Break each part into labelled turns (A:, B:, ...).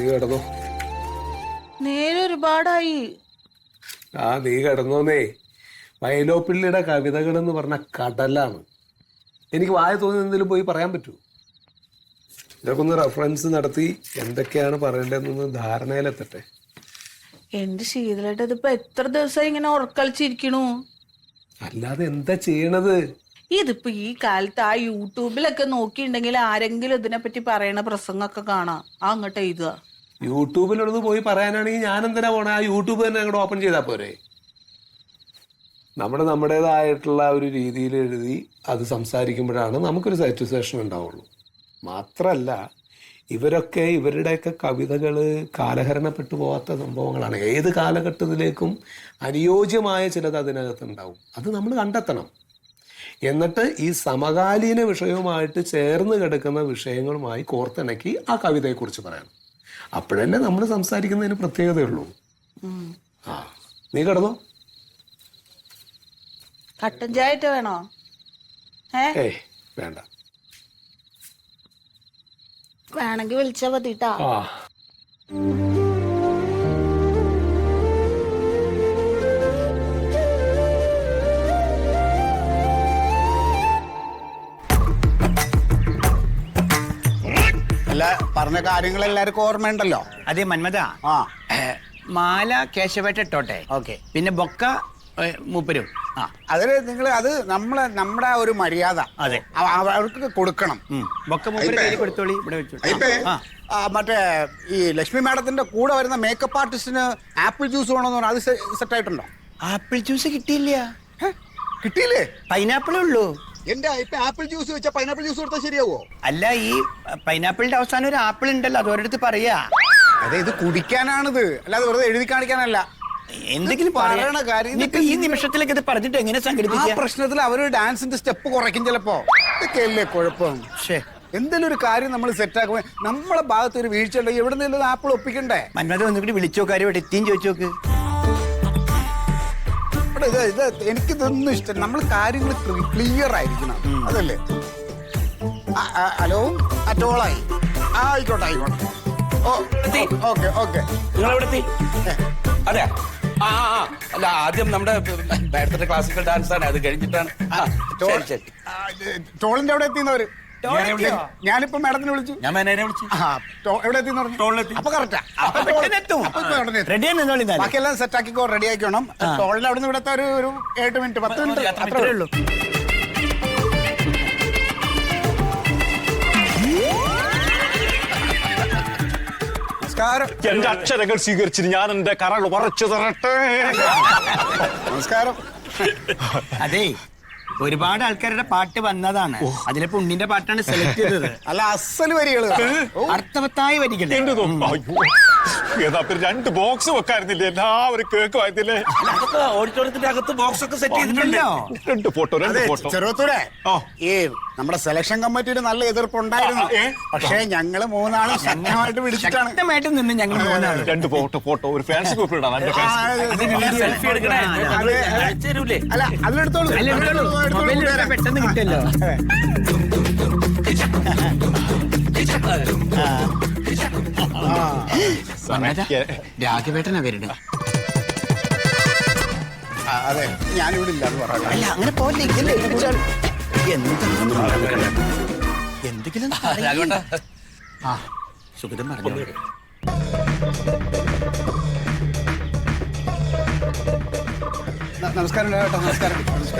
A: കിടന്നോ?
B: നേരെ ഒരുപാടായി.
A: നീ കിടന്നോന്നേ. വയലോപ്പിള്ളിയുടെ കവിതകൾ എന്ന് പറഞ്ഞ കടലാണ്. എനിക്ക് വായ തോന്നി എന്തെങ്കിലും പോയി പറയാൻ പറ്റൂ? ഇതൊക്കെ ഒന്ന് റെഫറൻസ് നടത്തി എന്തൊക്കെയാണ് പറയേണ്ടതെന്നൊന്ന് ധാരണയിലെത്തട്ടെ.
B: എന്റെ ശീതലായിട്ട് ഇതിപ്പോ എത്ര ദിവസം ഇങ്ങനെ ഉറക്കളിച്ചിരിക്കണു.
A: അല്ലാതെ എന്താ ചെയ്യണത്?
B: ഇതിപ്പോ ഈ കാലത്ത് ആ യൂട്യൂബിലൊക്കെ നോക്കിയിട്ടുണ്ടെങ്കിൽ ആരെങ്കിലും ഇതിനെപ്പറ്റി പറയണ പ്രസംഗമൊക്കെ കാണാം. അങ്ങോട്ട് എഴുതുക.
A: യൂട്യൂബിലൊന്ന് പോയി പറയാനാണെങ്കിൽ ഞാൻ എന്തിനാ പോണേ? ആ യൂട്യൂബ് തന്നെ അങ്ങോട്ട് ഓപ്പൺ ചെയ്താൽ പോരെ? നമ്മുടേതായിട്ടുള്ള ഒരു രീതിയിൽ എഴുതി അത് സംസാരിക്കുമ്പോഴാണ് നമുക്കൊരു സാറ്റിസ്ഫാക്ഷൻ ഉണ്ടാവുള്ളൂ. മാത്രമല്ല, ഇവരൊക്കെ ഇവരുടെയൊക്കെ കവിതകൾ കാലഹരണപ്പെട്ടു പോകാത്ത സംഭവങ്ങളാണ്. ഏത് കാലഘട്ടത്തിലേക്കും അനുയോജ്യമായ ചിലത് അതിനകത്തുണ്ടാവും. അത് നമ്മൾ കണ്ടെത്തണം. എന്നിട്ട് ഈ സമകാലീന വിഷയവുമായിട്ട് ചേർന്ന് കിടക്കുന്ന വിഷയങ്ങളുമായി കോർത്തിണക്കി ആ കവിതയെക്കുറിച്ച് പറയണം. അപ്പോഴല്ലേ നമ്മൾ സംസാരിക്കുന്നതിന് പ്രത്യേകതയുള്ളൂ. നീ കിടന്നോ?
B: കട്ടൻ ചായ വേണോ?
A: ഏയ് വേണ്ട.
B: വേണമെങ്കിൽ വിളിച്ചാ മതിട്ടാ.
C: അല്ല, പറഞ്ഞ കാര്യങ്ങൾ എല്ലാവർക്കും ഓർമ്മയുണ്ടല്ലോ.
D: അതെ മന്മത. മാല കേശവേട്ട ഇട്ടോട്ടെ.
C: ഓക്കെ.
D: പിന്നെ ബൊക്ക മൂപ്പരും.
C: അതില് നിങ്ങൾ അത് നമ്മുടെ ഒരു മര്യാദ.
D: അതെ,
C: അവർക്ക് കൊടുക്കണം.
D: ബൊക്ക മൂപ്പര് കയ്യിൽ കൊടുത്തോളി. ഇവിടെ വെച്ചു.
C: മറ്റേ ഈ ലക്ഷ്മി മാഡത്തിന്റെ കൂടെ വരുന്ന മേക്കപ്പ് ആർട്ടിസ്റ്റിന് ആപ്പിൾ ജ്യൂസ് വേണമെന്ന് പറഞ്ഞാൽ അത് സെറ്റ് ആയിട്ടുണ്ടോ?
D: ആപ്പിൾ ജ്യൂസ് കിട്ടിയില്ല.
C: കിട്ടിയില്ലേ?
D: പൈനാപ്പിളേ ഉള്ളൂ.
C: എന്റെ ഇപ്പൊ ആപ്പിൾ ജ്യൂസ് വെച്ചാൽ പൈനാപ്പിൾ ജ്യൂസ് കൊടുത്താൽ ശരിയാവോ?
D: അല്ല, ഈ പൈനാപ്പിളിന്റെ അവസാനം ഒരു ആപ്പിൾ ഉണ്ടല്ലോ, അത് ഒരിടത്ത് പറയാ.
C: അതെ, ഇത് കുടിക്കാനാണിത്, അല്ലാതെ വെറുതെ എഴുതി കാണിക്കാനല്ല.
D: എന്തെങ്കിലും
C: പറയണ കാര്യം
D: ഈ നിമിഷത്തിലേക്ക് ഇത് പറഞ്ഞിട്ട് എങ്ങനെ സംഘടിപ്പിക്കുക?
C: പ്രശ്നത്തിൽ അവര് ഡാൻസിന്റെ സ്റ്റെപ്പ് കുറയ്ക്കും ചിലപ്പോ. ഇതൊക്കെയല്ലേ കുഴപ്പം. എന്തെങ്കിലും ഒരു കാര്യം നമ്മൾ സെറ്റാക്കുമ്പോ നമ്മളെ ഭാഗത്ത് ഒരു വീഴ്ച ഉണ്ടെങ്കിൽ എവിടെ നിന്നും ആപ്പിൾ ഒപ്പിക്കണ്ടേ?
D: മന്മത ഒന്നുകൂടി വിളിച്ചോ, കാര്യം ഇവിടെ എത്തിയും ചോദിച്ചു നോക്ക്.
C: എനിക്കിതൊന്നും ഇഷ്ടം. നമ്മൾ കാര്യങ്ങൾ ക്ലിയർ ആയിരിക്കണം, അതല്ലേ? ഹലോ, അറ്റോളായി. ആയിക്കോട്ടെ ആയിക്കോട്ടെ. Okay okay.
E: നിങ്ങളെവിടെ? അതെ. അല്ല, ആദ്യം നമ്മുടെ നേരത്തെ ക്ലാസിക്കൽ ഡാൻസ് ആണ്, അത് കഴിഞ്ഞിട്ടാണ്.
C: ടോളിന്റെ അവിടെ എത്തിയെന്നവര്. ഞാനിപ്പോ മാഡത്തിനെ വിളിച്ചു.
E: ഞാൻ മാനേജറെ വിളിച്ചു.
C: എവിടെ എത്തിയെന്ന് പറഞ്ഞു. അപ്പൊ കറക്റ്റാ. ബാക്കിയെല്ലാം സെറ്റ് ആക്കിക്കോ, റെഡി ആക്കിക്കോണം. ടോളിൽ അവിടെ നിന്ന് ഇവിടുത്തെ ഒരു 8 മിനിറ്റ് 10 മിനിറ്റ് അത്രേ ഉള്ളൂ.
F: എന്റെ അക്ഷരങ്ങൾ സ്വീകരിച്ചിട്ട് ഞാൻ എന്റെ കരൾ ഉറച്ചു തരട്ടെ.
C: നമസ്കാരം.
D: അതെ, ഒരുപാട് ആൾക്കാരുടെ പാട്ട് വന്നതാണ്. അതിലിപ്പോ ഉണ്ണിന്റെ പാട്ടാണ് സെലക്ട് ചെയ്തത്.
C: അല്ല, അസൽ വരികള്,
D: അർത്ഥവത്തായ വരികൾ.
F: ഏതാ 2 ബോക്സ് വെക്കായിരുന്നില്ലേ? എല്ലാവരും കേക്ക് വായത്തില്ലേ?
E: ഓഡിറ്റോറിയത്തിന്റെ അകത്ത് ബോക്സ് ഒക്കെ സെറ്റ് ചെയ്തിട്ടുണ്ടല്ലോ.
F: 2 ഫോട്ടോ.
C: ചെറുത്തൂരെ, ഈ നമ്മുടെ സെലക്ഷൻ കമ്മിറ്റിയിൽ നല്ല എതിർപ്പുണ്ടായിരുന്നു. പക്ഷേ ഞങ്ങള് 3 ആളും ശക്തമായിട്ട് പിടിച്ചിട്ടാണ്.
D: ശക്തമായിട്ട് നിന്ന് ഞങ്ങൾ 3 ആളും
F: 2 ഫോട്ടോ ഒരു ഫാൻസി ഗ്രൂപ്പിൽ ഇടാം.
E: സെൽഫി എടുക്കണേ.
C: അല്ല, അതിലെടുത്തോളൂ,
D: പെട്ടെന്ന് കിട്ടല്ലോ. രാഘവേട്ടനാ വരുന്നത്.
C: അതെ, ഞാനിവിടെ ഇല്ലാന്ന് പറഞ്ഞു.
D: അല്ല, അങ്ങനെ പോലെ എന്തെങ്കിലും സുഗതം പറഞ്ഞു.
C: നമസ്കാരം കേട്ടോ. നമസ്കാരം.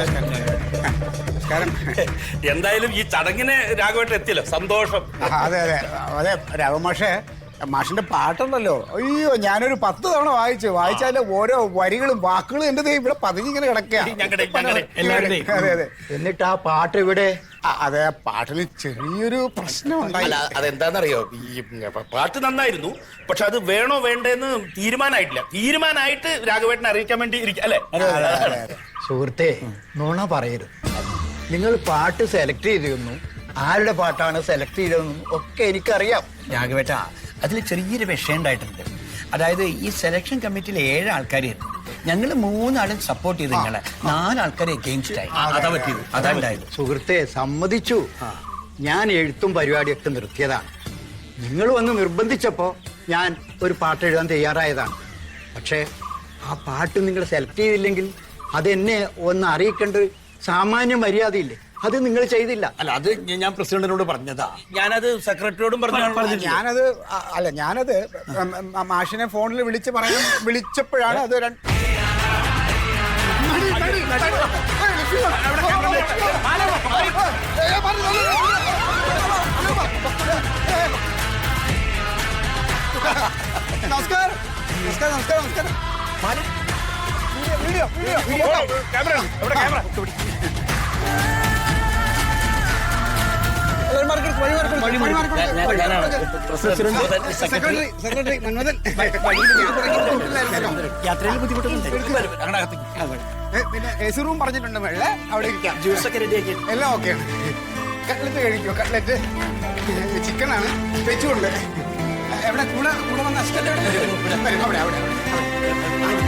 E: എന്തായാലും ഈ ചടങ്ങിന് രാഘവേട്ടൻ എത്തിയല്ലോ, സന്തോഷം.
C: അതെ അതെ അതെ. രാഘവമാഷേ, മാഷിന്റെ പാട്ടുണ്ടല്ലോ, അയ്യോ, ഞാനൊരു 10 തവണ വായിച്ചാല് ഓരോ വരികളും വാക്കുകളും എന്റെ ഇവിടെ പതിഞ്ഞിങ്ങനെ കിടക്കുക. അതെ അതെ.
D: എന്നിട്ട് ആ പാട്ട് ഇവിടെ?
C: അതെ, പാട്ടിന് ചെറിയൊരു പ്രശ്നം ഉണ്ടായി.
E: അതെന്താന്നറിയോ, ഈ പാട്ട് നന്നായിരുന്നു, പക്ഷെ അത് വേണോ വേണ്ടെന്ന് തീരുമാനമായിട്ട് രാഘവേട്ടനെ അറിയിക്കാൻ വേണ്ടി അല്ലേ?
G: സുഹൃത്തെ, നുണ പറയരുത്. നിങ്ങൾ പാട്ട് സെലക്ട് ചെയ്തിരുന്നു, ആരുടെ പാട്ടാണ് സെലക്ട് ചെയ്തതെന്നും ഒക്കെ എനിക്കറിയാം.
D: രാഘവേട്ട, അതിൽ ചെറിയൊരു വിഷയം ഉണ്ടായിട്ടുണ്ട്. അതായത് ഈ സെലക്ഷൻ കമ്മിറ്റിയിൽ 7 ആൾക്കാരായിരുന്നു. ഞങ്ങൾ 3 ആളും സപ്പോർട്ട് ചെയ്ത് നിങ്ങളെ 4 ആൾക്കാരെ എഗെയിൻസ്റ്റ് ആയി. അതാ പറ്റിയത്. അതാ ഉണ്ടായത്.
G: സുഹൃത്തെ, സമ്മതിച്ചു. ഞാൻ എഴുത്തും പരിപാടിയൊക്കെ നിർത്തിയതാണ്. നിങ്ങൾ വന്ന് നിർബന്ധിച്ചപ്പോ ഞാൻ ഒരു പാട്ട് എഴുതാൻ തയ്യാറായതാണ്. പക്ഷേ ആ പാട്ട് നിങ്ങൾ സെലക്ട് ചെയ്തില്ലെങ്കിൽ അതെന്നെ ഒന്ന് അറിയിക്കേണ്ട സാമാന്യ മര്യാദയില്ലേ, അത് നിങ്ങൾ ചെയ്തില്ല.
D: അല്ല അത് ഞാൻ പ്രസിഡന്റിനോട് പറഞ്ഞതാ. ഞാനത് സെക്രട്ടറിയോടും
C: ഞാനത് മാഷിനെ ഫോണിൽ വിളിച്ചപ്പോഴാണ് അത് നമസ്കാരം. Video secretary Manmadhan.
D: യാത്രയിൽ ബുദ്ധിമുട്ടുന്നുണ്ട്.
C: പിന്നെ എ സി റൂം പറഞ്ഞിട്ടുണ്ട് മേളെ, അവിടെ ഇരിക്കാം.
D: ജ്യൂസൊക്കെ റെഡിയാക്കി.
C: എല്ലാം ഓക്കെയാണ്. കട്ട്ലറ്റ് കഴിക്കോ? കട്ട്ലറ്റ് ചിക്കനാണ്, വെച്ചുകൊണ്ട്. എവിടെ കൂടെ വന്ന അസിസ്റ്റന്റ് അവിടെ